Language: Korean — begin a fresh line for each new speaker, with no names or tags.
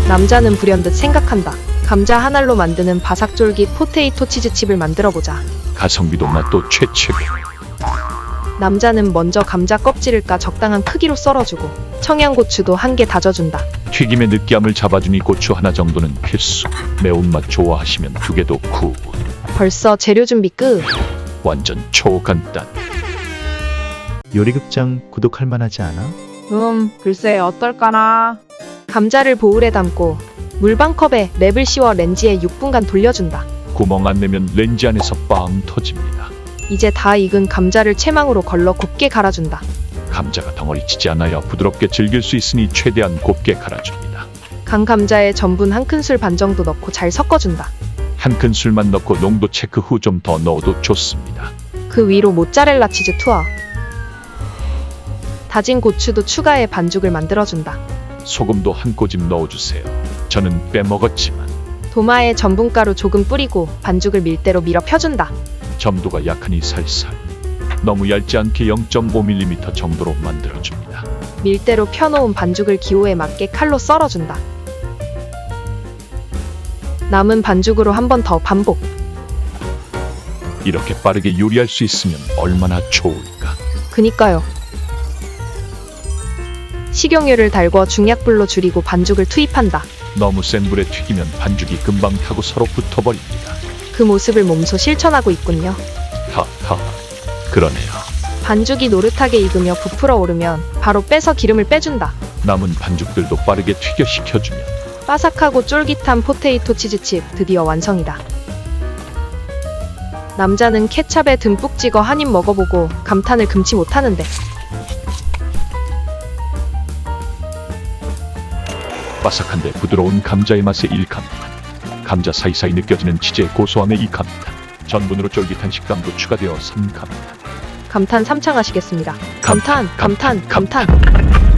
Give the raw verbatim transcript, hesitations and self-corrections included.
남자는 불현듯 생각한다. 감자 한 알로 만드는 바삭쫄깃 포테이토 치즈칩을 만들어보자.
가성비도 맛도 최최고.
남자는 먼저 감자 껍질을 까 적당한 크기로 썰어주고 청양고추도 한 개 다져준다.
튀김의 느끼함을 잡아주니 고추 하나 정도는 필수. 매운맛 좋아하시면 두 개도 굿.
벌써 재료 준비 끝.
완전 초간단.
요리극장 구독할 만하지 않아?
음, 글쎄 어떨까나.
감자를 보울에 담고 물방컵에 랩을 씌워 렌지에 육 분간 돌려준다.
구멍 안 내면 렌즈 안에서 빵 터집니다.
이제 다 익은 감자를 채망으로 걸러 곱게 갈아준다.
감자가 덩어리치지 않아야 부드럽게 즐길 수 있으니 최대한 곱게 갈아줍니다.
간 감자에 전분 한 큰술 반 정도 넣고 잘 섞어준다.
한 큰술만 넣고 농도 체크 후 좀 더 넣어도 좋습니다.
그 위로 모짜렐라 치즈 투하. 다진 고추도 추가해 반죽을 만들어준다.
소금도 한 꼬집 넣어주세요. 저는 빼먹었지만
도마에 전분가루 조금 뿌리고 반죽을 밀대로 밀어 펴준다.
점도가 약하니 살살. 너무 얇지 않게 영 점 오 밀리미터 정도로 만들어줍니다.
밀대로 펴놓은 반죽을 기호에 맞게 칼로 썰어준다. 남은 반죽으로 한 번 더 반복.
이렇게 빠르게 요리할 수 있으면 얼마나 좋을까.
그니까요. 식용유를 달궈 중약불로 줄이고 반죽을 투입한다.
너무 센 불에 튀기면 반죽이 금방 타고 서로 붙어버립니다.
그 모습을 몸소 실천하고 있군요.
하하, 그러네요.
반죽이 노릇하게 익으며 부풀어 오르면 바로 빼서 기름을 빼준다.
남은 반죽들도 빠르게 튀겨 식혀주면
바삭하고 쫄깃한 포테이토 치즈칩 드디어 완성이다. 남자는 케찹에 듬뿍 찍어 한 입 먹어보고 감탄을 금치 못하는데
바삭한데 부드러운 감자의 맛에 일감탄. 감자 사이사이 느껴지는 치즈의 고소함에 이감탄. 전분으로 쫄깃한 식감도 추가되어 삼감탄.
감탄 삼창하시겠습니다.
감탄,
감탄, 감탄,
감탄,
감탄.